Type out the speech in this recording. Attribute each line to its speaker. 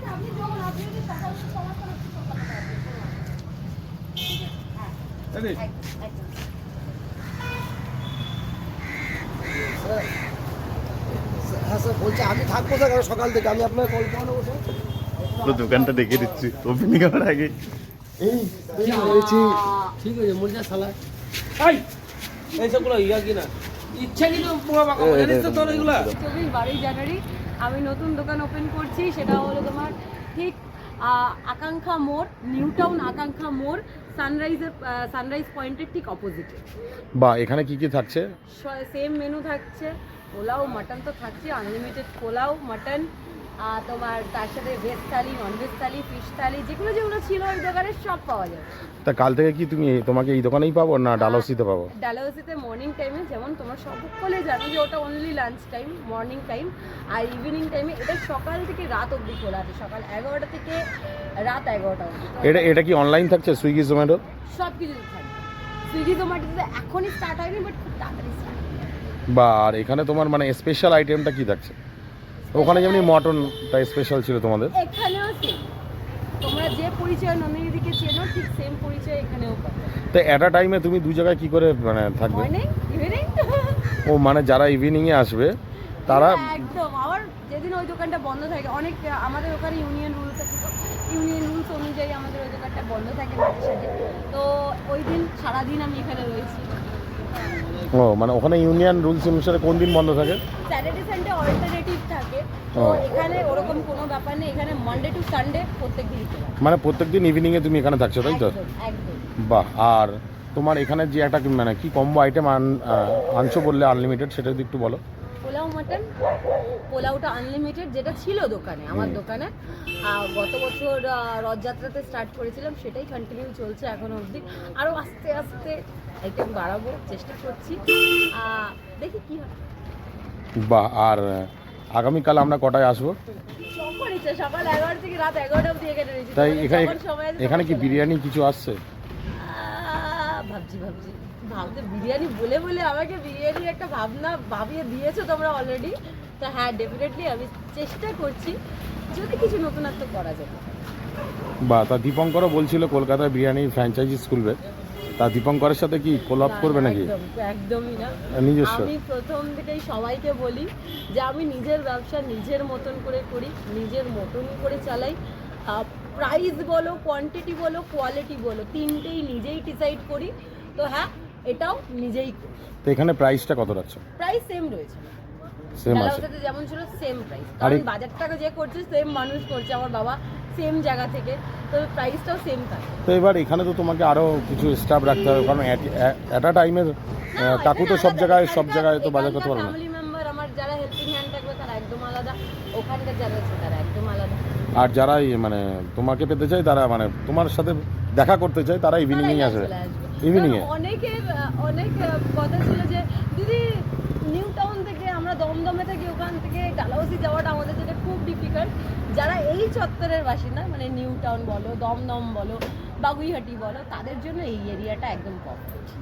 Speaker 1: হ্যাঁ স্যার বলছি আমি থাকবো স্যার সকাল থেকে, আমি আপনার কল করে নেবো স্যার।
Speaker 2: পুরো দোকানটা দেখে দিচ্ছি ওপেনিং হওয়ার আগে।
Speaker 1: এই হয়েছি
Speaker 3: ঠিক আছে মুরগা সালা
Speaker 4: এইসবগুলো ইয়া কিনা ইচ্ছা কিন্তু পোঙা পাকা জানিস তো তোর এগুলা।
Speaker 5: 22 জানুয়ারি আমি নতুন দোকান ওপেন করছি, সেটা হলো তোমার ঠিক আকাঙ্ক্ষা মোড়, নিউ টাউন আকাঙ্ক্ষা মোড়, সানরাইজ পয়েন্টের ঠিক অপোজিটে।
Speaker 2: বা এখানে কি কি থাকছে?
Speaker 5: সেম মেনু থাকছে, পোলাও মাটন তো থাকছে, আনলিমিটেড পোলাও মাটন, তোমার তার সাথে veg thali, non veg thali, fish thali, যেগুলো যেগুলো ছিল ওই দোকানে সব পাওয়া যায়।
Speaker 2: তা কাল থেকে কি তোমাকে এই দোকানেই পাবো না ডালহৌসিতে পাবো?
Speaker 5: ডালহৌসিতে মর্নিং টাইমে, যেমন তোমরা সকলে জানো যে ওটা only lunch time, morning time, আর ইভিনিং টাইমে এটা সকাল থেকে রাত অবধি খোলা আছে, সকাল 11টা থেকে রাত 11টা অবধি।
Speaker 2: এটা কি অনলাইন থাকছে সুইগি জোম্যাটো?
Speaker 5: সব কিছু থাকবে। সুইগি জোম্যাটোতে এখনই স্টার্ট হয়নি, বাট খুব তাড়াতাড়ি স্টার্ট হবে।
Speaker 2: বা আর এখানে তোমার মানে স্পেশাল আইটেমটা কি থাকছে? ওখানে যেমনি মটনটা স্পেশাল ছিল তোমাদের,
Speaker 5: এখানেও সেম, তোমরা যে পরিচয় নন্দিনীদিকে চেনো ঠিক সেম পরিচয় এখানেও পাবে।
Speaker 2: তো এট আ টাইমে তুমি দু জায়গায় কি করে মানে থাকবে?
Speaker 5: Morning evening.
Speaker 2: ও মানে যারা ইভিনিংয়ে আসবে তারা
Speaker 5: একদম, আবার যেদিন ওই দোকানটা বন্ধ থাকে, অনেক আমাদের ওখানে ইউনিয়ন রুলস আছে, তো ইউনিয়ন রুলস অনুযায়ী আমাদের ওই দোকানটা বন্ধ থাকে মাঝে সাঝে, তো ওই দিন সারাদিন আমি এখানে রয়েছি।
Speaker 2: ও মানে ওখানে ইউনিয়ন রুলস অনুসারে কোন দিন বন্ধ থাকে?
Speaker 5: স্যাটারডে সানডে অল্টারনেটিভ থাকে, তো এখানে ওরকম কোনো ব্যাপার নেই, এখানে মানডে টু সানডে প্রত্যেক দিন খোলা।
Speaker 2: মানে প্রত্যেকদিন ইভিনিংয়ে তুমি এখানে থাকছো তাই তো?
Speaker 5: একদম একদম।
Speaker 2: বাহ। আর তোমার এখানে যে একটা মানে কি কম্বো আইটেম আনছো বললে আনলিমিটেড, সেটা যদি একটু বলো।
Speaker 5: পোলাও মাটন, পোলাওটা আনলিমিটেড যেটা ছিল দোকানে, আমার দোকানে গত বছর রথযাত্রাতে স্টার্ট করেছিলাম, সেটাই কন্টিনিউ চলছে এখনো অবধি। আরও আস্তে আস্তে আইটেম বাড়াবো চেষ্টা করছি, দেখি কি হয়।
Speaker 2: বাহ। আর আগামীকাল আমরা কটায় আসবো?
Speaker 5: যখন ইচ্ছা, সকাল 11 থেকে রাত 11টা অবধি এখানে রয়েছি।
Speaker 2: তাই
Speaker 5: তোমাদের যখন সময় আছে
Speaker 2: এখানে কি
Speaker 5: তখন
Speaker 2: বিরিয়ানি কিছু আসছে?
Speaker 5: ভাবতে বিরিয়ানি বলে বলে আমাকে বিরিয়ানির একটা ভাবনা ভাবিয়ে দিয়েছো তোমরা অলরেডি। তো হ্যাঁ, ডেফিনেটলি আমি চেষ্টা করছি যদি কিছু নতুনত্ব করা যায়।
Speaker 2: বা তা দীপঙ্করও বলছিল কলকাতায় বিরিয়ানি ফ্র্যাঞ্চাইজি খুলবে, তা দীপঙ্করের সাথে কি কোলাপ করবে নাকি?
Speaker 5: একদমই না।
Speaker 2: নিজস্ব?
Speaker 5: আমি প্রথম থেকেই সবাইকে বলি যে আমি নিজের ব্যবসা নিজের মতন করে করি, নিজের মতন করে চালাই। প্রাইস বলো, কোয়ান্টিটি বলো, কোয়ালিটি বলো, তিনটেই নিজেই ডিসাইড করি। তো হ্যাঁ, এটাও নিজেই করি।
Speaker 2: তো এখানে প্রাইসটা কত রাখছো?
Speaker 5: প্রাইস সেম রয়েছে,
Speaker 2: সেম আছে?
Speaker 5: ডালহৌসিতে যেমন ছিল সেম প্রাইস, কারণ বাজারটাকে যে করছে সেম মানুষ করছে, আমার বাবা সেম জায়গা থেকে, তো প্রাইসটাও সেম থাকে।
Speaker 2: তো এবার এখানে তো তোমাকে আরো কিছু স্টাফ রাখতে হবে, কারণ এট আ টাইমের কাকু তো সব জায়গায় তো বাজার করতে পারবে না।
Speaker 5: ফ্যামিলি মেম্বার আমার যারা হেল্পিং হ্যান্ড থাকবে তারা একদম আলাদা, ওখানকার যারা আছে তারা একদম আলাদা।
Speaker 2: আর যারা মানে তোমাকে পেতে চায়, তারা মানে তোমার সাথে দেখা করতে চায়, তারা ইভিনিংয়ে আসবে। ইভিনিংয়ে
Speaker 5: অনেক কথা ছিল যে দিদি নিউ টাউন থেকে আমরা দমদমে থাকি, ওখান থেকে ডালহৌসি যাওয়াটা আমাদের জন্য খুব ডিফিকাল্ট। যারা এই চত্বরের বাসিন্দা, মানে নিউ টাউন বলো, দমদম বলো, বাগুইহাটি বলো, তাদের জন্য এই এরিয়াটা একদম পারফেক্ট।